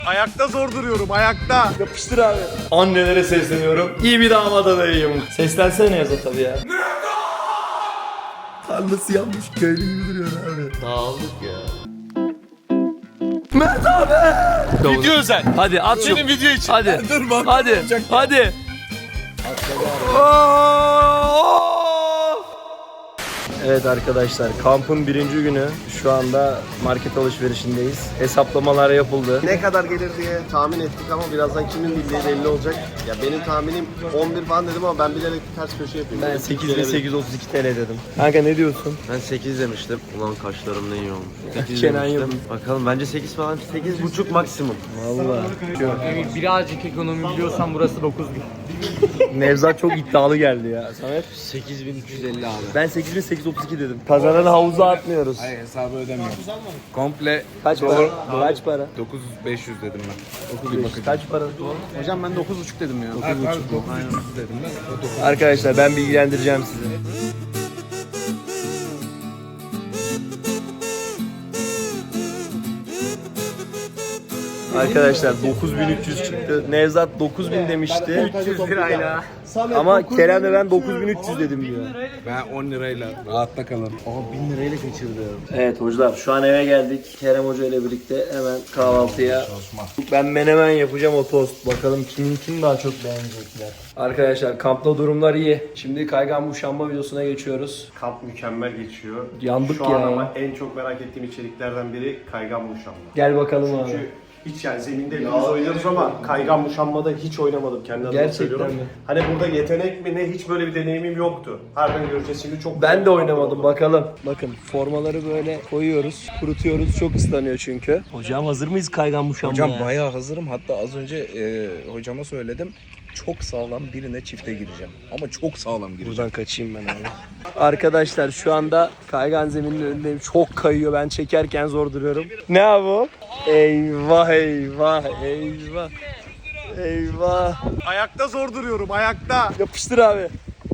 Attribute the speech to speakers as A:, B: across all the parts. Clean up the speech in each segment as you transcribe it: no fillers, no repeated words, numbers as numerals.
A: Ayakta zor duruyorum, ayakta.
B: Yapıştır abi. Annelere sesleniyorum. İyi bir damat adayıyım. Seslensene Yaza tabii ya. Tarlası yapmış köylü gibi duruyor abi.
C: Dağıldık ya.
B: Mert abi.
A: Video özel.
B: Hadi at şu.
A: Senin video için.
B: Hadi.
A: Dur bak.
B: Hadi. Hadi. Evet arkadaşlar, kampın birinci günü. Şu anda market alışverişindeyiz. Hesaplamalar yapıldı.
C: Ne kadar gelir diye tahmin ettik ama birazdan kimin bildiği belli olacak. Ya benim tahminim 11 falan dedim ama ben bilerek ters köşe yapayım.
B: Ben 8.832 TL dedim. Kanka ne diyorsun?
C: Ben 8 demiştim. Ulan kaşlarım ne iyi olmuş. 8
B: Kenan
C: demiştim.
B: Yıldız.
C: Bakalım bence 8 falan. 8,5 maksimum.
B: Vallahi.
D: Emir birazcık ekonomi biliyorsan burası 9.000.
B: Nevzat çok iddialı geldi ya. Samet?
C: 8.350 abi.
B: Ben 8.832 dedim. Kazanan havuza atmıyoruz.
E: Hayır hesabı ödemiyorum. Komple
B: Kaç para? Kaç para?
E: 9.500 dedim ben.
B: 9.500. Kaç para?
E: Hocam ben 9.5 dedim ya. 9.5 aynen dedim ben.
B: Arkadaşlar ben bilgilendireceğim sizi. Arkadaşlar 9300 çıktı. Nevzat 9000 demişti.
D: 300 lirayla.
B: Ama Kerem de ben 9300 dedim diyor.
E: Ben 10 lirayla rahatta kalırım.
B: Evet hocalar şu an eve geldik. Kerem Hoca ile birlikte hemen kahvaltıya. Ben menemen yapacağım, o tost. Bakalım kim daha çok beğenecekler. Arkadaşlar kampta durumlar iyi. Şimdi kaygan muşamba videosuna geçiyoruz.
A: Kamp mükemmel geçiyor.
B: Yandık
A: Şu
B: ya.
A: an ama en çok merak ettiğim içeriklerden biri kaygan muşamba.
B: Gel bakalım abi.
A: Çünkü hiç yani zeminde biz oynuyoruz ama kaygan muşambada hiç oynamadım kendi adıma
B: Gerçekten
A: söylüyorum.
B: mi?
A: Hani burada yetenek mi ne, hiç böyle bir deneyimim yoktu. Harbiden göreceğiz şimdi, çok
B: Ben de oynamadım, bakalım. Bakın formaları böyle koyuyoruz, kurutuyoruz. Çok ıslanıyor çünkü. Hocam hazır mıyız kaygan muşambaya?
E: Hocam bayağı hazırım. Hatta az önce hocama söyledim. Çok sağlam birine çifte gireceğim. Ama çok sağlam gireceğim.
B: Buradan kaçayım ben abi. Arkadaşlar şu anda kaygan zeminin önündeyim. Çok kayıyor. Ben çekerken zor duruyorum. Ne abi o? Eyvah eyvah eyvah. Eyvah.
A: Ayakta zor duruyorum, ayakta.
B: Yapıştır abi.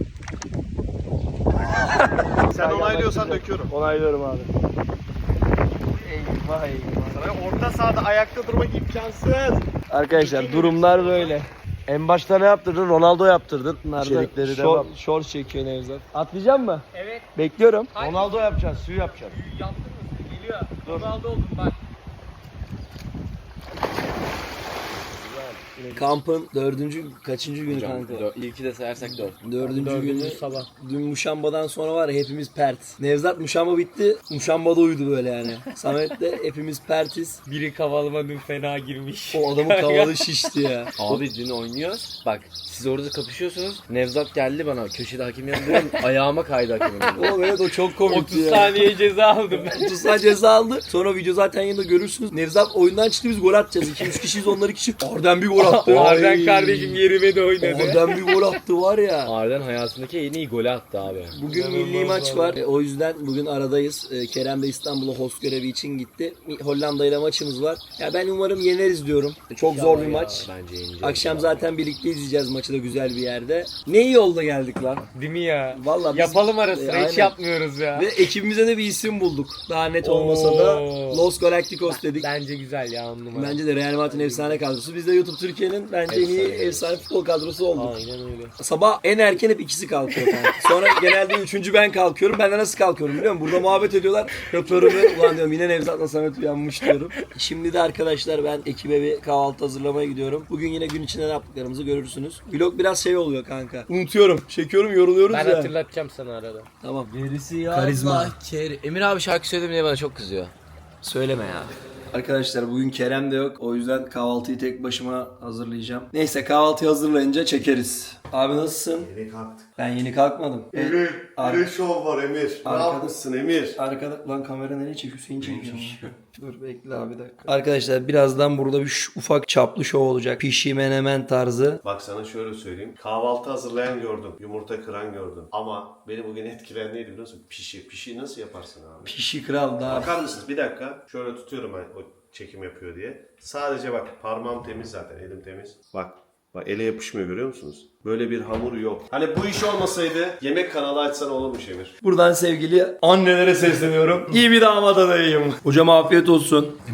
A: Sen onaylıyorsan döküyorum.
B: Onaylıyorum abi. Eyvah eyvah.
A: Sana orta sahada ayakta durmak imkansız.
B: Arkadaşlar durumlar böyle.
C: En başta ne yaptırdın? Ronaldo yaptırdın.
B: Bunlar da
C: İçerikleri devam.
B: short çekiyor Nevzat. Atlayacak mı?
D: Evet.
B: Bekliyorum.
C: Ronaldo yapacaksın, suyu yapacaksın.
D: Yaptın mı? Geliyor. Ronaldo oldum bak.
B: Kampın kaçıncı günü kanka?
C: İlki de sayarsak 4.
B: Dördüncü günü sabah. Dün muşambadan sonra var ya, hepimiz pert. Nevzat muşamba bitti. Muşambada uyudu böyle yani. Samet de hepimiz pertiz.
D: Biri kavalıma dün fena girmiş.
B: O adamın kavalı şişti ya.
C: Abi dün oynuyoruz. Bak siz orada kapışıyorsunuz. Nevzat geldi bana. Köşede hakim yanındayım. Ayağıma kaydı hakimin.
B: Oğlum evet, o çok komikti
D: 30
B: ya.
D: saniye ceza aldım ben.
B: 30 saniye ceza aldı. Sonra video zaten yanında görürsünüz. Nevzat oyundan çıktı, biz gol atacağız. 2-3 kişiyiz, onlar 2 kişi. Arden bir gol attı.
D: Arden kardeşim yerime de oynadı.
B: Arden bir gol attı var ya.
C: Arden hayatındaki en iyi golü attı abi.
B: Bugün milli maç var. O yüzden bugün aradayız. Kerem de İstanbul'a host görevi için gitti. Hollanda ile maçımız var. Ya ben umarım yeneriz diyorum. Çok zor bir maç.
C: Bence yeneceğiz.
B: Akşam zaten birlikte izleyeceğiz maçı da güzel bir yerde. Ne iyi yolda geldik lan.
D: Değil mi ya?
B: Vallahi biz-
D: Yapalım ara sıra
B: Aynen.
D: hiç yapmıyoruz ya.
B: Ve ekibimize de bir isim bulduk. Daha net olmasa da
D: Oo.
B: Los Galacticos dedik.
D: Bence güzel ya, 10 numara.
B: Bence de Real Madrid'in efsane kadrosu. Biz de YouTube Türkiye'nin bence en iyi efsane futbol kadrosu olduk.
D: Aynen öyle.
B: Sabah en erken hep ikisi kalkıyor kanka. Sonra genelde üçüncü ben kalkıyorum. Ben de nasıl kalkıyorum biliyor musun? Burada muhabbet ediyorlar. Yapıyorum ve ulan diyorum yine Nevzat'la Samet uyanmış diyorum. Şimdi de arkadaşlar ben ekibe bir kahvaltı hazırlamaya gidiyorum. Bugün yine gün içinde ne yaptıklarımızı görürsünüz. Vlog biraz şey oluyor kanka. Unutuyorum. Çekiyorum, yoruluyoruz
D: Ben
B: ya.
D: hatırlatacağım sana arada.
B: Tamam.
C: Birisi ya.
B: Karizma.
C: Emir abi şarkı söyledim diye bana çok kızıyor.
B: Söyleme ya. Arkadaşlar bugün Kerem de yok. O yüzden kahvaltıyı tek başıma hazırlayacağım. Neyse kahvaltıyı hazırlayınca çekeriz. Abi nasılsın?
A: Yeni kalktık.
B: Ben yeni kalkmadım.
A: Emir, bir de şov var Emir. Ne
B: Arkada-
A: yapmışsın Emir?
B: Arkada lan kamera nereye çekiyor? Hüseyin çekiyor. Dur bekle abi bir dakika. Arkadaşlar birazdan burada bir ufak çaplı şov olacak. Pişi menemen tarzı.
A: Bak sana şöyle söyleyeyim. Kahvaltı hazırlayan gördüm. Yumurta kıran gördüm. Ama beni bugün etkileyen neydi biliyor musun? Pişi. Pişi nasıl yaparsın abi?
B: Pişi kral daha.
A: Bakar mısınız? Bir dakika. Şöyle tutuyorum ben o çekim yapıyor diye. Sadece bak parmağım temiz zaten. Elim temiz. Bak. Bak ele yapışmıyor, görüyor musunuz? Böyle bir hamur yok. Hani bu iş olmasaydı yemek kanalı açsan olurmuş Emir.
B: Buradan sevgili annelere sesleniyorum. İyi bir damat adayıyım. Hocam afiyet olsun.
E: Emir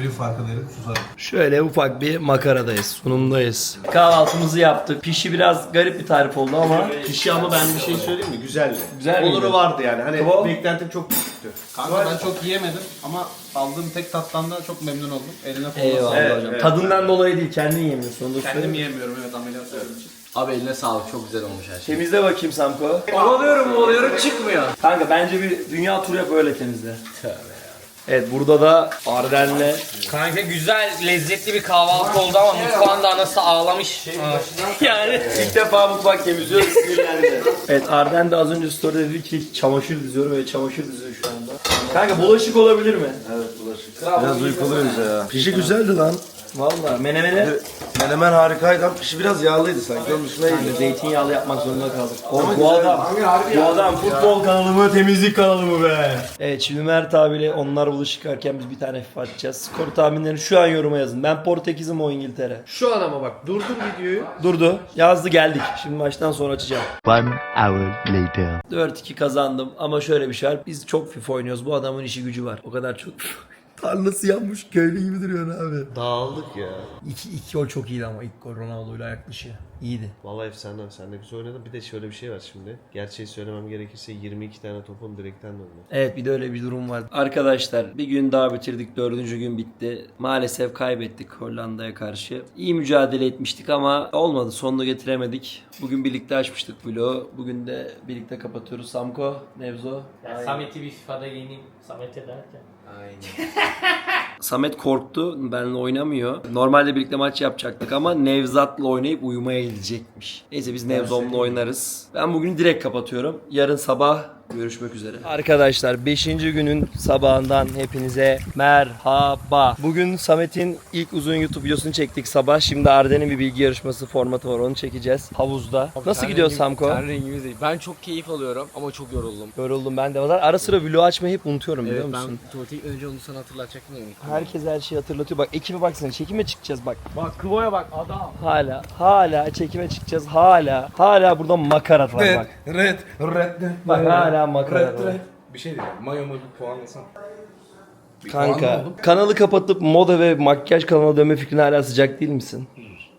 F: bir farkı derim susarım.
B: Şöyle ufak bir makaradayız, sunumdayız. Kahvaltımızı yaptık. Pişi biraz garip bir tarif oldu ama.
A: Pişi ama ben bir şey söyleyeyim mi? Güzeldi.
B: Güzel miydi?
A: Oluru vardı yani. Hani
B: Kıvam?
A: beklentim çok düşüktü.
F: Kanka ben çok yiyemedim ama aldığım tek tattan da çok memnun oldum. Eline koluna
B: Eyvallah
F: sağlık.
A: Evet,
B: hocam.
A: evet.
B: Tadından dolayı değil, kendin yemiyorsun. Onu da
F: Kendim
B: söyleyeyim.
F: yiyemiyorum evet ameliyat olduğum için.
G: Abi eline sağlık, çok güzel olmuş her şey.
B: Temizle bakayım Samko. Ovalıyorum çıkmıyor. Kanka bence bir dünya turu yap öyle temizle. Evet burada da Arden'le
D: Kanka güzel, lezzetli bir kahvaltı oldu ama mutfağında anası ağlamış.
B: yani ilk defa mutfak temizliyoruz, sinirlendi. Evet Arden de az önce story'de dedi ki çamaşır diziyorum ve çamaşır diziyor şu anda. Kanka bulaşık olabilir mi? Evet bulaşık.
C: Biraz uykuluyuz ya.
B: Pişi güzeldi lan. Valla menemene
C: Menemen harikaydı ama pişi biraz yağlıydı sanki. Onun dışında iyiydi.
B: zeytinyağlı yapmak zorunda kaldık. Bu adam futbol kanalı mı temizlik kanalı mı be? Evet şimdi Mert abiyle onlar bulaşık yıkarken biz bir tane FIFA atacağız. Skor tahminlerini şu an yoruma yazın. Ben Portekiz'im o İngiltere.
D: Şu an ama bak durdur videoyu.
B: Durdu. Yazdı geldik. Şimdi maçtan sonra açacağım.
H: 1 hour later.
B: 4-2 kazandım ama şöyle bir şey var. Biz çok FIFA oynuyoruz. Bu adamın işi gücü var. O kadar çok tarlası yanmış köylü gibi duruyor abi.
A: Dağıldık ya.
B: İlk gol çok iyiydi ama ilk gol Ronaldo'yla ayak dışı. İyiydi.
A: Vallahi efsane abi. Sen de güzel oynadın. Bir de şöyle bir şey var şimdi. Gerçeği söylemem gerekirse 22 tane topum direkten döndü.
B: Evet bir de öyle bir durum var. Arkadaşlar bir gün daha bitirdik. 4. gün bitti. Maalesef kaybettik Hollanda'ya karşı. İyi mücadele etmiştik ama olmadı. Sonunu getiremedik. Bugün birlikte açmıştık vlogu. Bugün de birlikte kapatıyoruz. Samko, Nevzo.
D: Samet'i bir FIFA'da yeneyim. Samet'e derken.
B: Samet korktu. Benimle oynamıyor. Normalde birlikte maç yapacaktık ama Nevzat'la oynayıp uyumaya gidecekmiş. Neyse biz Nevzom'la oynarız. Ben bugün direkt kapatıyorum. Yarın sabah görüşmek üzere. Arkadaşlar 5. günün sabahından hepinize merhaba. Bugün Samet'in ilk uzun YouTube videosunu çektik sabah. Şimdi Arden'in bir bilgi yarışması formatı var. Onu çekeceğiz havuzda. Nasıl gidiyor Samko?
D: Ten rengimiz değil. Ben çok keyif alıyorum ama çok yoruldum.
B: Yoruldum ben de. Ara sıra vlog açmayı hep unutuyorum biliyor
D: Evet
B: musun?
D: ben tuvalete gitmeden önce onu sana hatırlatacaktım da unuttum.
B: Herkes her şeyi hatırlatıyor. Bak ekibe baksana çekime çıkacağız bak.
D: Bak Kıvo'ya bak adam.
B: Hala çekime çıkacağız. Hala burada makarat var bak.
E: Red.
B: Bak hala makarat var.
E: Bir şey diyeceğim. Mayomu bir puanlasana.
B: Kanka kanalı kapatıp moda ve makyaj kanalına dönme fikrine hala sıcak değil misin?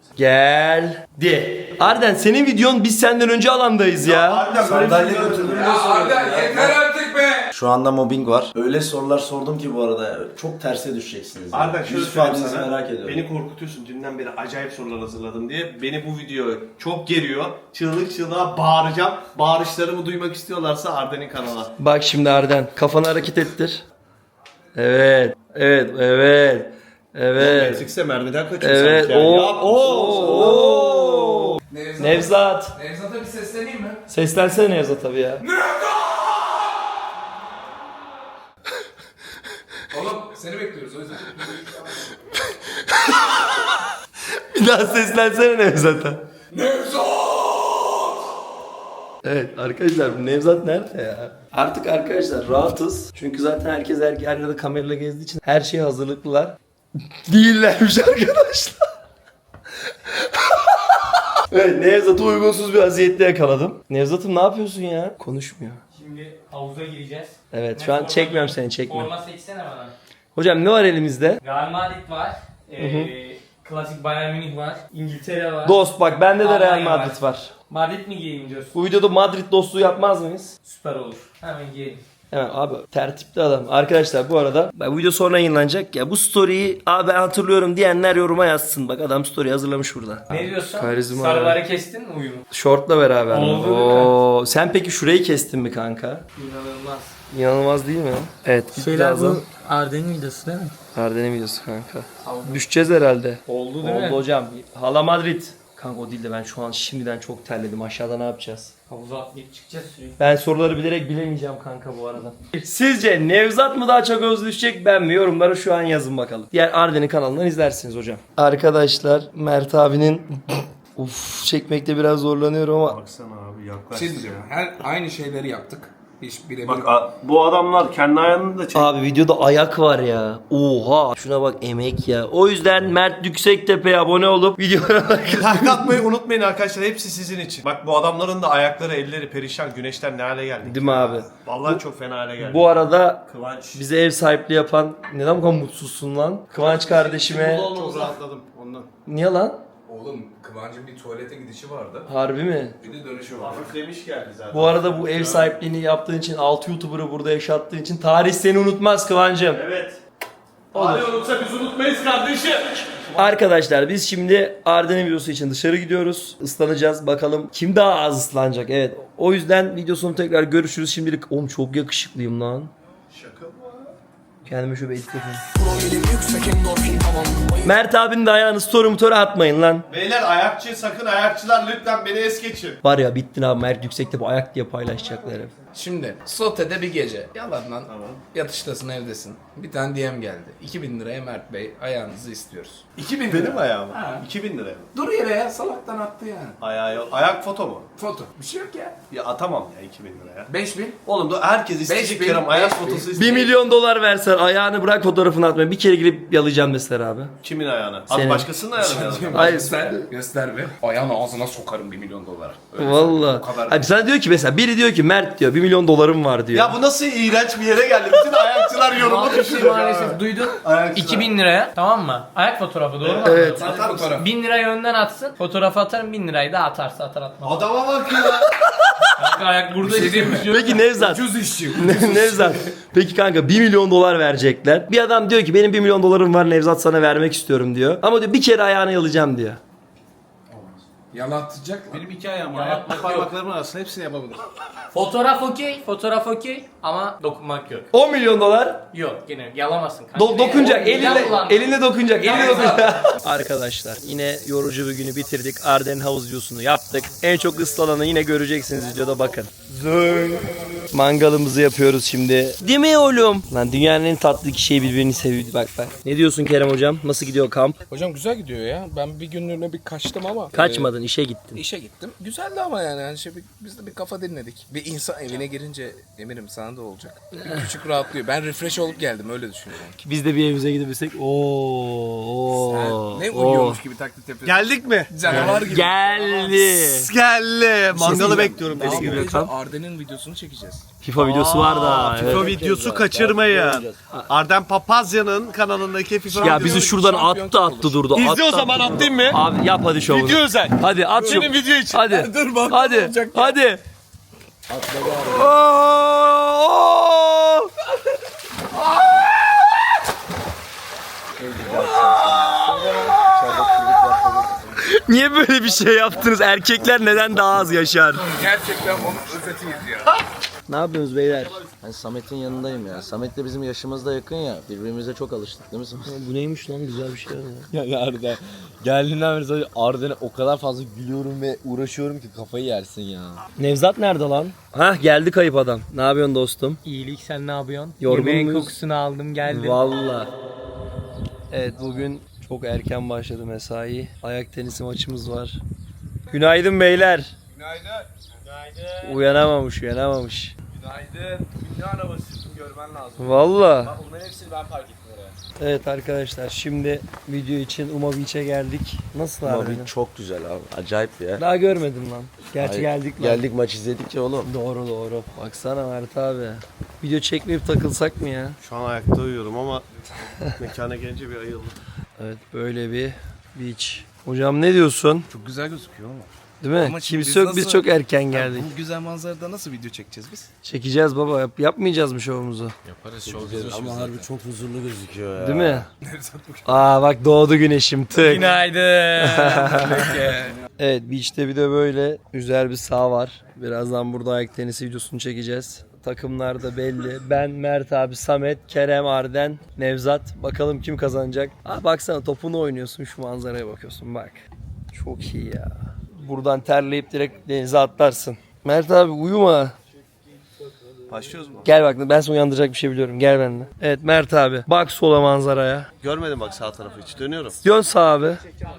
B: Geldi. Arden senin videon biz senden önce alandayız ya.
C: Sandalye götürdüm.
E: Yeter artık be!
C: Şu anda mobbing var. Öyle sorular sordum ki bu arada çok terse düşeceksiniz. yani.
A: Arda şöyle
C: Yüz
A: söyleyeyim
C: ifadenizi
A: sana.
C: merak ediyorum.
A: Beni korkutuyorsun. Dünden beri acayip sorular hazırladım diye. Beni bu video çok geriyor. Çığlık çığlığa bağıracağım. Bağırışlarımı duymak istiyorlarsa Arden'in kanala.
B: Bak şimdi Arden kafanı hareket ettir. Evet.
A: Matrix'e mermiden kaçıyor
B: Evet.
A: sanki yani. Yap.
B: Nevzat.
E: Nevzat'a bir sesleneyim mi?
B: Seslensene Nevzat abi ya.
E: Oğlum seni bekliyoruz o yüzden.
B: Bir daha seslensene Nevzat'a. Evet arkadaşlar bu Nevzat nerede ya? Artık arkadaşlar rahatız. Çünkü zaten herkes her yerde kamerayla gezdiği için her şeye hazırlıklılar. Değillermiş arkadaşlar. Evet Nevzat'ı uygunsuz bir vaziyette yakaladım. Nevzat'ım ne yapıyorsun ya? Konuşmuyor.
D: Şimdi havuza gireceğiz.
B: Evet şu an çekmiyorum seni çekmiyorum.
D: Forma seçsene bana.
B: Hocam ne var elimizde?
D: Real Madrid var. Klasik Bayern Münih var. İngiltere var.
B: Dost bak bende de Real
D: Almanya
B: Madrid var.
D: Madrid mi giyeyim diyorsun?
B: Bu videoda Madrid dostluğu yapmaz mıyız?
D: Süper olur. Hemen giyelim.
B: Hemen abi tertipli adam. Arkadaşlar bu arada bu video sonra yayınlanacak ya bu story'yi abi ben hatırlıyorum diyenler yoruma yazsın. Bak adam story hazırlamış burada.
D: Ne diyorsun?
B: Karizma
D: Sarıları kestin mi uyumu?
B: Şortla beraber.
D: Oldu
B: Oo, sen peki şurayı kestin mi kanka?
D: İnanılmaz.
B: İnanılmaz değil mi? Evet. Birazdan
D: Arden'in videosu değil mi?
B: Arden'e videosu kanka. Düşeceğiz herhalde.
D: Oldu değil mi?
B: Oldu hocam. Hala Madrid. Kanka o değil de ben şu an şimdiden çok terledim. Aşağıda ne yapacağız?
D: Havuza atlayıp çıkacağız sürekli.
B: Ben soruları bilerek bilemeyeceğim kanka bu arada. Sizce Nevzat mı daha çok özleşecek ben mi? Yorumlara şu an yazın bakalım. Diğer Arden'in kanalından izlersiniz hocam. Arkadaşlar Mert abinin çekmekte biraz zorlanıyorum ama
A: Baksana abi
E: Bir
A: yaklaş.
E: şey diyeceğim. Aynı şeyleri yaptık. Hiç birebir.
A: Bak bu adamlar kendi ayağını da çek.
B: Abi videoda ayak var ya. Oha. Şuna bak, emek ya. O yüzden Mert Yüksektepe'ye abone olup videolara bakın.
A: Like atmayı unutmayın arkadaşlar. Hepsi sizin için. Bak bu adamların da ayakları, elleri perişan. Güneşten ne hale geldik.
B: Değil mi abi?
A: Vallahi çok fena hale geldik.
B: Bu arada
A: Kıvanç.
B: bize ev sahipliği yapan, neden bu kadar mutsuzsun lan? Kıvanç kardeşime.
A: Çok rahatladım ondan.
B: Niye lan?
E: Oğlum Kıvancı'nın bir tuvalete gidişi vardı.
B: Harbi mi?
E: Bir de dönüşü var.
A: Hafiflemiş geldi zaten.
B: Bu arada bu ev sahipliğini yaptığın için, 6 YouTuber'ı burada yaşattığın için tarih seni unutmaz Kıvancım.
A: Evet. Hadi unutsa biz unutmayız kardeşim.
B: Arkadaşlar biz şimdi Arden'in videosu için dışarı gidiyoruz. Islanacağız. Bakalım kim daha az ıslanacak. Evet. O yüzden videosunu tekrar görüşürüz. Şimdilik oğlum çok yakışıklıyım lan.
A: Şaka mı?
B: Kendime şöyle edit yapayım. Mert abinin de ayağını story atmayın lan.
A: Beyler ayakçı, sakın ayakçılar lütfen beni es geçin.
B: Var ya, bittin abi, Mert Yüksek'te bu ayak diye paylaşacaklar hep.
E: Şimdi Sote'de bir gece. Yalandan yatıştasın, evdesin. Bir tane DM geldi. 2000 liraya Mert Bey ayağınızı istiyoruz.
A: 2000 benim ayağım. 2000 liraya mı?
E: Dur yere ya, salaktan attı yani.
A: Ayağı yok. Ayak foto mu?
E: Foto. Bir şey yok ya.
A: Ya atamam ya 2000 liraya.
E: 5000.
A: Oğlum da herkes isteyecek
E: 5000,
A: Kerem ayak
E: 5000.
A: fotosu
B: 1
A: isteyecek.
B: milyon dolar versen ayağını bırak, fotoğrafını atma. Bir kere girip yalayacağım mesela abi.
A: Kimin ayağını?
B: Senin.
A: Abi başkasının ayağını mı yaladın?
B: Hayır.
E: Göster be. Ayağın ağzına sokarım 1 milyon dolara. Öyle
B: Valla.
E: o kadar.
B: Abi sana diyor ki mesela, biri diyor ki Mert diyor 1 milyon dolarım var diyor.
A: Ya bu nasıl iğrenç bir yere geldi? Bütün ayakçılar yoruma
D: Maalesef,
A: düşüyor.
D: maalesef duydun.
A: Ayakçılar.
D: 2000 liraya, tamam mı? Ayak fotoğrafı, doğru mu?
B: Evet.
A: Atar mısın?
D: 1000 lirayı önden atsın. Fotoğrafı atarım, 1000 lirayı da atarsa atar atmaz.
A: Adama bak ya.
D: Kanka ayak burada işte.
B: Peki Nevzat.
E: Ucuz işçi.
B: Nevzat. Peki kanka 1 milyon dolar verecekler. Bir adam diyor ki benim 1 milyon dolarım var Nevzat, sana vermek istiyorum diyor. Ama diyor bir kere ayağını yalayacağım diyor.
E: Yalatacak.
F: Benim 2 ayağım var.
D: Yalatmak
F: Ayak parmaklarımın arasında hepsini yapabilir.
D: Fotoğraf okey, fotoğraf okey ama dokunmak yok.
B: 10 milyon dolar
D: Yok, gene yalamazsın kanka.
B: dokunacak.
D: Midem bulandı.
B: Eline dokunacak. Eline dokunacak. Arkadaşlar yine yorucu bir günü bitirdik. Arden havuz videosunu yaptık. En çok ıslananı yine göreceksiniz videoda, bakın. Mangalımızı yapıyoruz şimdi. Değil mi oğlum? Lan dünyanın en tatlı iki şeyi birbirini seviyor. Bak bak. Ne diyorsun Kerem hocam? Nasıl gidiyor kamp?
E: Hocam güzel gidiyor ya. Ben bir günlüğüne bir kaçtım ama.
B: Kaçmadın, işe gittin.
E: İşe gittim. Güzeldi ama yani şey, biz de bir kafa dinledik. Bir insan evine girince eminim sana da olacak. Bir küçük rahatlıyor. Ben refresh olup geldim, öyle düşünüyorum.
B: Biz de bir evimize gidebilsek. Oo.
E: Ne uyuyormuş gibi taklit yapıyorsun.
A: Geldik mi?
E: Canavar gibi.
B: Geldi.
A: Geldi. Mangalı
B: diyeceğim.
A: bekliyorum.
E: Daha
A: Deli gibi.
E: bu gece Arden'in videosunu çekeceğiz.
B: FIFA videosu var da.
A: FIFA videosu kaçırmayın. Arden Papazya'nın kanalındaki FIFA
B: Ya bizi şuradan attı durdu.
A: İzle
B: attı,
A: o zaman,
B: attı,
A: atayım mı?
B: Abi yap hadi şovunu.
A: Video özel.
B: Hadi at şu.
A: Benim video için.
B: Hadi.
E: Dur bak,
B: Hadi.
E: olacak ya.
B: Hadi. Niye böyle bir şey yaptınız? Erkekler neden daha az yaşar?
E: Gerçekten onun özetiyiz ya.
B: Ne yapıyorsunuz beyler?
G: Ben Samet'in yanındayım ya. Samet'le bizim yaşımız da yakın ya. Birbirimize çok alıştık değil mi Samet?
B: Bu neymiş lan, güzel bir şey ya.
I: Ya Arden, geldiğinden beri sadece Arden'e o kadar fazla gülüyorum ve uğraşıyorum ki kafayı yersin ya.
B: Nevzat nerede lan? Hah, geldi kayıp adam. Ne yapıyorsun dostum?
D: İyilik, sen ne yapıyorsun?
B: Yorgun
D: Yemeğin
B: muyuz?
D: kokusunu aldım geldim.
B: Valla. Evet, bugün çok erken başladı mesai. Ayak tenisi maçımız var. Günaydın beyler. Günaydın. Uyanamamış.
E: Günaydın. Ünlü arabası görmen lazım.
B: Valla.
E: Onların hepsini ben park ettim oraya.
B: Evet arkadaşlar, şimdi video için Uma Beach'e geldik. Nasıl abi?
I: Abi çok güzel abi. Acayip ya.
B: Daha görmedim lan. Gerçi
I: Ay,
B: geldik lan.
I: Geldik maç izledik ya oğlum.
B: Doğru. Baksana Mert abi. Video çekmeyip takılsak mı ya?
A: Şu an ayakta uyuyorum ama mekana gelince bir ayıldım.
B: Evet, böyle bir beach. Hocam ne diyorsun?
E: Çok güzel gözüküyor ama.
B: Değil mi?
E: Ama şimdi
B: Kimse yok, biz
E: nasıl-
B: çok erken geldik.
E: Bu güzel manzarada nasıl video çekeceğiz biz?
B: Çekeceğiz baba. Yapmayacağız mı şovumuzu?
E: Yaparız, çok güzel.
I: Ama harbi çok huzurlu gözüküyor ya.
B: Değil mi? Aa bak, doğdu güneşim, tık.
D: Günaydın.
B: Evet, beach'te bir de böyle güzel bir saha var. Birazdan burada ayak tenisi videosunu çekeceğiz. Takımlar da belli. Ben, Mert abi, Samet, Kerem, Arden, Nevzat. Bakalım kim kazanacak. Aa, baksana, topunu oynuyorsun, şu manzaraya bakıyorsun, bak. Çok iyi ya. Buradan terleyip direkt denize atlarsın. Mert abi uyuma.
A: Başlıyoruz mu?
B: Gel bak, ben seni uyandıracak bir şey biliyorum. Gel benimle. Evet Mert abi. Bak sola manzaraya.
A: Görmedim bak sağ tarafı hiç. Dönüyorum.
B: Dön sağa abi.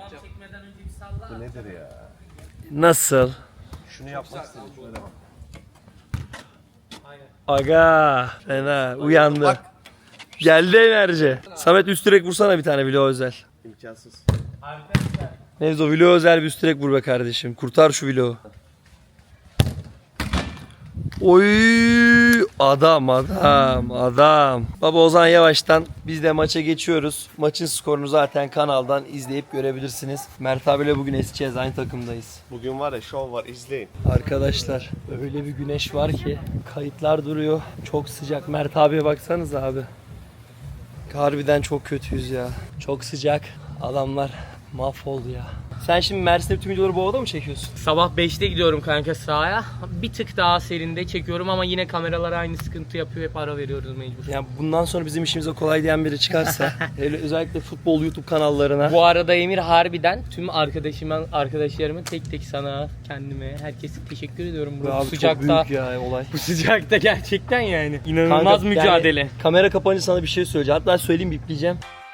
A: Bu nedir ya?
B: Nasıl?
A: Şunu yapmak istedim. Şöyle bak.
B: Aga fena uyandı. Geldi enerji. Samet üst direk vursana bir tane vlog özel.
C: İmkansız.
B: Nevzo vlog özel bir üst direk vur be kardeşim. Kurtar şu vlogu. Oy adam. Baba Ozan yavaştan biz de maça geçiyoruz. Maçın skorunu zaten kanaldan izleyip görebilirsiniz. Mert abiyle bugün eseceğiz, aynı takımdayız.
C: Bugün var ya şov var izleyin.
B: Arkadaşlar öyle bir güneş var ki kayıtlar duruyor. Çok sıcak. Mert abiye baksanız abi. Harbiden çok kötüyüz ya. Çok sıcak. Adamlar mahvoldu ya. Sen şimdi Mersin'de bütün videoları bu havada mı çekiyorsun?
D: Sabah 5'te gidiyorum kanka sahaya. Bir tık daha serinde çekiyorum ama yine kameralar aynı sıkıntı yapıyor. Hep ara veriyoruz mecbur.
B: Yani bundan sonra bizim işimize kolay diyen biri çıkarsa özellikle futbol YouTube kanallarına.
D: Bu arada Emir harbiden tüm arkadaşlarıma tek tek sana, kendime, herkese teşekkür ediyorum. Bu
B: Abi çok
D: sıcakta.
B: büyük ya olay.
D: Bu sıcakta gerçekten yani. İnanılmaz
B: Kanka,
D: mücadele.
B: Yani, kamera kapanınca sana bir şey söyleyeceğim. Hatta söyleyeyim, bipleyeceğim.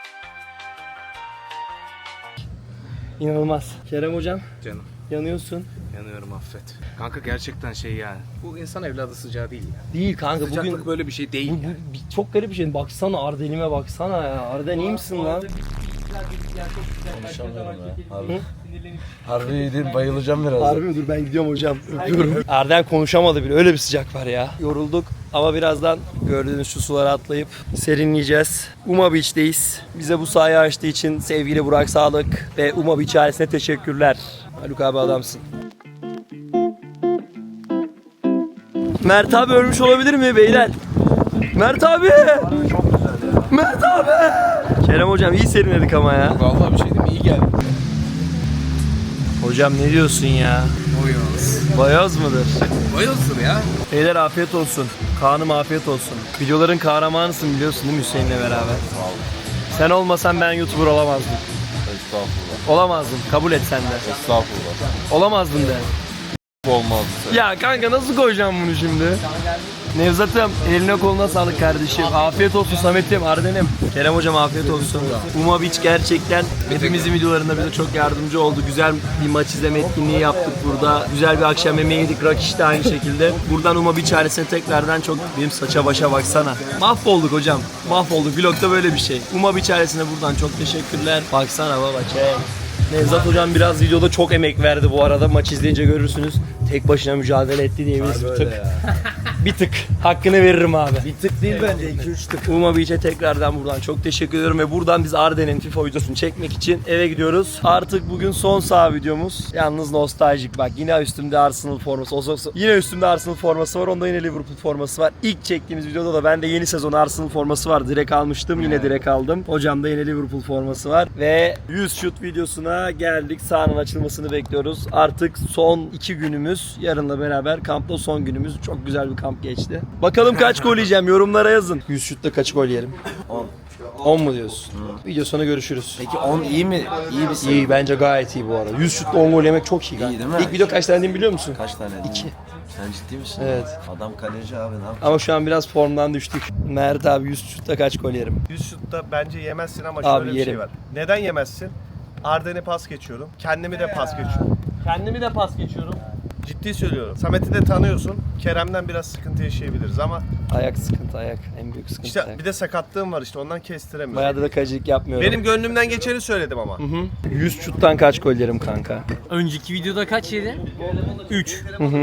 B: İnanılmaz. Kerem hocam
E: Canım
B: yanıyorsun.
E: yanıyorum, affet. Kanka gerçekten şey yani. Bu insan evladı sıcağı değil ya.
B: Değil kanka
E: Sıcaklık
B: bugün
E: böyle bir şey değil
B: bu,
E: yani.
B: çok garip bir şey. Baksana Arden'ime baksana ya. Arden iyi misin lan?
I: Harbi iyiydi, bayılacağım biraz.
B: Harbi mi? Dur ben gidiyorum hocam. Öpüyorum. Arden konuşamadı bile. Öyle bir sıcak var ya. Yorulduk ama birazdan gördüğünüz şu sulara atlayıp serinleyeceğiz. Uma Beach'teyiz. Bize bu sahayı açtığı için sevgili Burak Sağlık ve Uma Beach ailesine teşekkürler. Haluk abi adamsın. Mert abi ölmüş olabilir mi beyler? Mert abi! Mert abi! Kerem hocam iyi serinledik ama ya.
E: Vallahi bir şey değil mi? İyi geldi.
B: Hocam ne diyorsun ya?
E: Boyoz.
B: Bayoz mudur?
E: Boyozdur ya.
B: Beyler afiyet olsun. Kaan'ım afiyet olsun. Videoların kahramanısın biliyorsun değil mi Hüseyin'le beraber? Sen olmasan ben YouTuber olamazdım.
I: Estağfurullah.
B: Olamazdım. Kabul et sen de.
I: Estağfurullah.
B: Olamazdın de.
I: Olmaz.
B: Ya kanka nasıl koyacağım bunu şimdi? Nevzat'ım eline koluna sağlık kardeşim. Afiyet olsun Samet'im, Arden'im. Kerem hocam afiyet olsun. Uma Beach gerçekten hepimizin videolarında bize çok yardımcı oldu. Güzel bir maç izleme etkinliği yaptık burada. Güzel bir akşam yemeği yedik. Rakiş de aynı şekilde. Buradan Uma Beach ailesine tekrardan çok... Benim saça başa baksana. Mahvolduk hocam. Mahvolduk. Vlogda böyle bir şey. Uma Beach ailesine buradan çok teşekkürler. Baksana baba çek. Nevzat hocam biraz videoda çok emek verdi bu arada. Maç izleyince görürsünüz. Tek başına mücadele etti diyebiliriz bir tık. Bir tık. Hakkını veririm abi.
G: Bir tık değil bence 2-3 tık.
B: Uma Beach'e tekrardan buradan çok teşekkür ediyorum ve buradan biz Arden'in FIFA videosunu çekmek için eve gidiyoruz. Artık bugün son saha videomuz. Yalnız nostaljik bak, yine üstümde Arsenal forması. Yine üstümde Arsenal forması var. Onda yine Liverpool forması var. İlk çektiğimiz videoda da bende yeni sezon Arsenal forması var. Direkt almıştım. Yine direkt aldım. Hocamda yine Liverpool forması var. Ve 100 şut videosuna geldik. Sahanın açılmasını bekliyoruz. Artık son 2 günümüz. Yarınla beraber kampta son günümüz. Çok güzel bir kamp geçti. Bakalım kaç gol yiyeceğim, yorumlara yazın. 100 şutta kaç gol yerim? 10. 10 mu diyorsun? Video sonu görüşürüz.
G: Peki 10 iyi mi? İyi bir
B: İyi, bence gayet iyi bu arada. 100 şutla 10 gol yemek çok iyi.
G: İyi değil mi?
B: İlk video kaç tane dediğimi biliyor musun?
G: Kaç tane?
B: 2.
G: Sen ciddi misin?
B: Evet.
G: Adam kaleci abi ne yapacak?
B: Ama şu an biraz formdan düştük. Mert abi 100 şutta kaç gol yerim?
C: 100 şutta bence yemezsin ama
B: Abi
C: şöyle bir
B: yerim.
C: şey var. Neden yemezsin? Arden'e pas geçiyorum. Kendimi de pas geçiyorum.
D: Kendimi de pas geçiyorum.
C: Ciddi söylüyorum. Samet'i de tanıyorsun. Kerem'den biraz sıkıntı yaşayabiliriz ama
B: Ayak sıkıntı, ayak. En büyük sıkıntı
C: işte
B: ayak.
C: bir de sakatlığım var işte ondan kestiremiyorum.
B: Bayağı da kalecilik yapmıyorum.
C: Benim gönlümden geçeni söyledim ama.
B: 100 şuttan kaç gol yerim kanka?
D: Önceki videoda kaç yedi? 3.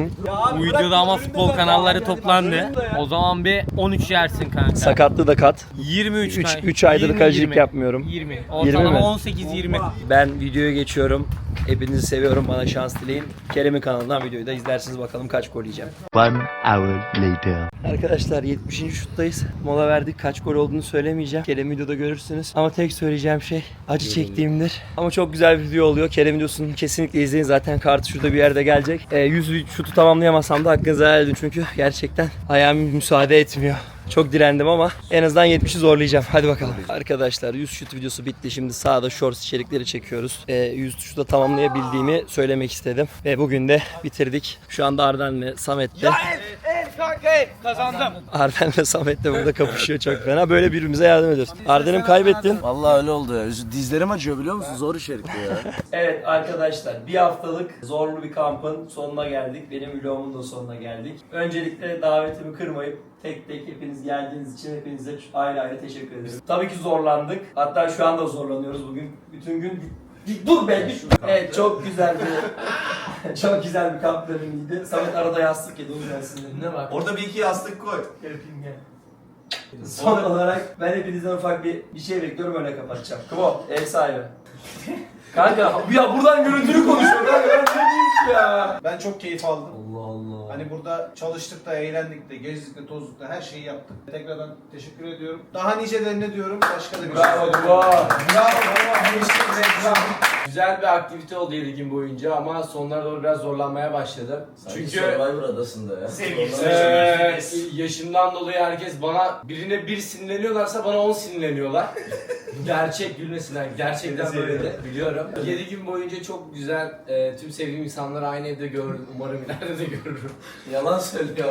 D: Bu videoda ama futbol kanalları toplandı. O zaman bir 13 yersin kanka.
B: Sakatlığı da kat.
D: 23 kanka.
B: 3 aydır
D: 20,
B: kalecilik
D: 20.
B: yapmıyorum.
D: 20.
B: 20 mi?
D: Ortalama 18-20.
B: Ben videoya geçiyorum. Hepinizi seviyorum. Bana şans dileyin. Kerem'in kanalından videoyu da izlersiniz, bakalım kaç gol yiyeceğim.
H: 1 hour later.
B: Arkadaşlar 70. şuttayız. Mola verdik. Kaç gol olduğunu söylemeyeceğim. Kerem videoda görürsünüz. Ama tek söyleyeceğim şey acı çektiğimdir. Ama çok güzel bir video oluyor. Kerem videosunu kesinlikle izleyin. Zaten kartı şurada bir yerde gelecek. 100 şutu tamamlayamasam da hakkınızı helal edin. Çünkü gerçekten ayağım müsaade etmiyor. Çok direndim ama en azından 70'i zorlayacağım. Hadi bakalım. Arkadaşlar 100 şut videosu bitti. Şimdi sağda shorts içerikleri çekiyoruz. 100 şutu söylemek istedim. Ve bugün de bitirdik. Şu anda Arden'le Samet'le Arden'le Samet de burada kapışıyor çok fena. Böyle birbirimize yardım ediyoruz. Arden'im kaybettin.
G: Vallahi öyle oldu ya. Dizlerim acıyor biliyor musun? Zor içerik bu ya.
B: Evet arkadaşlar, bir haftalık zorlu bir kampın sonuna geldik. Benim vlogumun da sonuna geldik. Öncelikle davetimi kırmayıp tek tek hepiniz geldiğiniz için hepinize ayrı ayrı teşekkür ederim. Tabii ki zorlandık. Hatta şu anda zorlanıyoruz bugün. Bütün gün dur be. Evet, çok güzel bir çok güzel bir kamp dönemiydi. Samet arada yastık yedi, o yüzden sinirine bak.
A: Orada bir iki yastık koy.
B: Yapayım gel. Son olarak ben hepinizden ufak bir şey bekliyorum, öyle kapatacağım. Kıvo, ev sahibi. Kanka ya buradan görüntülü konuşuyor kanka, ben ne diyeyim ki ya.
F: Ben çok keyif aldım.
B: Allah Allah.
F: Hani burada çalıştık da, eğlendik de, gezdik de, tozduk da, her şeyi yaptık. Tekrardan teşekkür ediyorum. Daha nicelerine diyorum. Başka da bir
B: Bravo,
F: şey.
B: bravo.
F: Bravo.
I: Güzel bir aktivite oldu 7 gün boyunca ama sonlara doğru biraz zorlanmaya başladım. Çünkü
G: Survivor adasında ya.
I: yaşımdan dolayı herkes birine bir sinirleniyorlarsa bana 10 sinirleniyorlar. Gerçek gülmesinler. Gerçekten böyle biliyorum. 7 gün boyunca çok güzel tüm sevdiğim insanları aynı evde gördüm. Umarım ileride de görürüm.
G: Yalan söylüyor.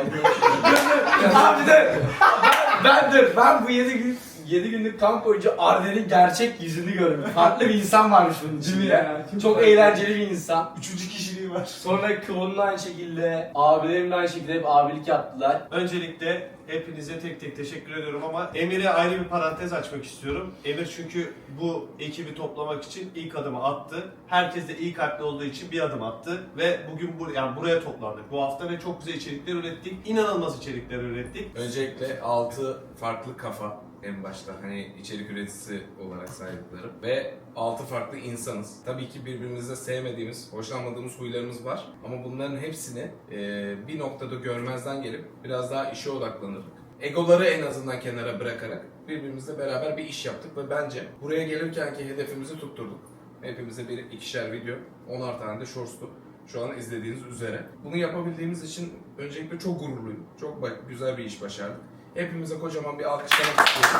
I: Abi de ben bu 7 günlük kamp boyunca Arden'in gerçek yüzünü gördüm. Farklı bir insan varmış bunun içinde. Çok eğlenceli bir insan.
F: 3. kişiliği var.
I: Sonra Kıvon'un aynı şekilde, abilerim de aynı şekilde hep abilik yaptılar.
A: Öncelikle hepinize tek tek teşekkür ediyorum ama Emir'e ayrı bir parantez açmak istiyorum. Emir çünkü bu ekibi toplamak için ilk adımı attı. Herkes de iyi kalpli olduğu için bir adım attı ve bugün buraya toplandık bu hafta ve çok güzel içerikler ürettik. İnanılmaz içerikler ürettik.
E: Öncelikle 6 farklı kafa en başta, hani içerik üreticisi olarak saydıklarım ve 6 farklı insanız. Tabii ki birbirimizde sevmediğimiz, hoşlanmadığımız huylarımız var ama bunların hepsini bir noktada görmezden gelip biraz daha işe odaklanırdık. Egoları en azından kenara bırakarak birbirimizle beraber bir iş yaptık ve bence buraya gelirkenki hedefimizi tutturduk. Hepimize bir ikişer video, 10'ar tane de shorts'tu. Şu an izlediğiniz üzere. Bunu yapabildiğimiz için öncelikle çok gururluyum. Çok güzel bir iş başardık. Hepimize kocaman bir alkışlamak istiyorum.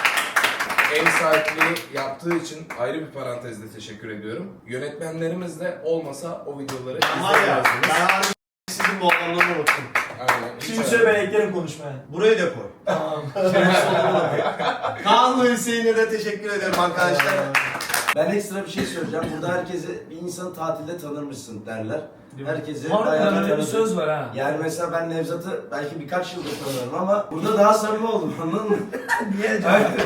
E: Ev sahipliği yaptığı için ayrı bir parantezde teşekkür ediyorum. Yönetmenlerimiz de olmasa o videoları izleyemezdiniz.
A: Ben harbi sizin bu adamları unuttum.
E: Aynen.
B: Şimdi söyle, ben eklerim konuşmaya.
A: Buraya da koy.
B: Tamam.
A: Kaan ve Hüseyin'e de teşekkür ediyorum arkadaşlar.
G: Ben ekstra bir şey söyleyeceğim. Burada herkesi bir insanı tatilde tanırmışsın derler. Herkesi
B: Harbiden öyle bir söz var ha.
G: Yani mesela ben Nevzat'ı belki birkaç yıldır tanıyorum ama burada daha samimi oldum, anladın mı?
B: Niye?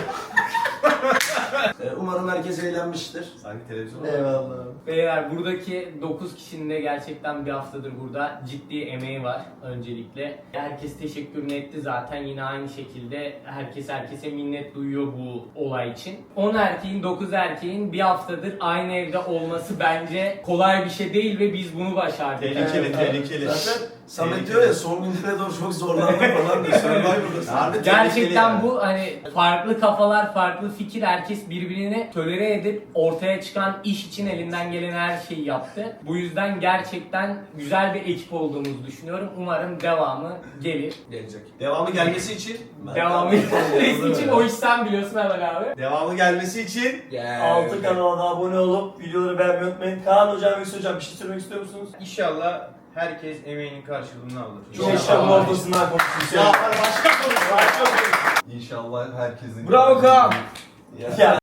G: Umarım herkes eğlenmiştir.
A: Sanki televizyon.
B: Eyvallah.
D: Beyler, buradaki 9 kişinin de gerçekten bir haftadır burada ciddi emeği var öncelikle. Herkes teşekkürünü etti zaten, yine aynı şekilde herkese minnet duyuyor bu olay için. 10 erkeğin 9 erkeğin bir haftadır aynı evde olması bence kolay bir şey değil ve biz bunu başardık.
A: Tehlikeli.
G: Zaten Samet diyor ya, son günlere doğru çok zorlandım falan diyor. Survivor'da.
D: Gerçekten bu hani farklı kafalar, farklı fikir, herkes birbirini tolere edip ortaya çıkan iş için elinden gelen her şeyi yaptı. Bu yüzden gerçekten güzel bir ekip olduğumuzu düşünüyorum. Umarım devamı gelir.
E: Gelecek.
A: Devamı gelmesi için
D: Devamı gelmesi için o işten biliyorsun hemen abi.
A: Devamı gelmesi için
B: Altı kanalına abone olup videoları beğenmeyi unutmayın. Kaan hocam, Hüsnü hocam, bir şey söylemek istiyor musunuz?
F: İnşallah herkes emeğinin karşılığını alır.
B: Çok işlemin ortasından konuşsun.
A: ya başka konuş.
F: İnşallah herkesin...
B: Bravo Kaan. Ya.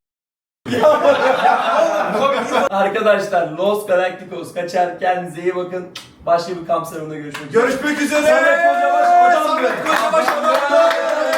B: Arkadaşlar, Los Galacticos kaçar, kendinize iyi bakın. Başka bir kamp salonunda görüşmek üzere.
A: Görüşmek üzere.
B: Samet Kocabaş hocam.
A: Samet Kocabaş hocam.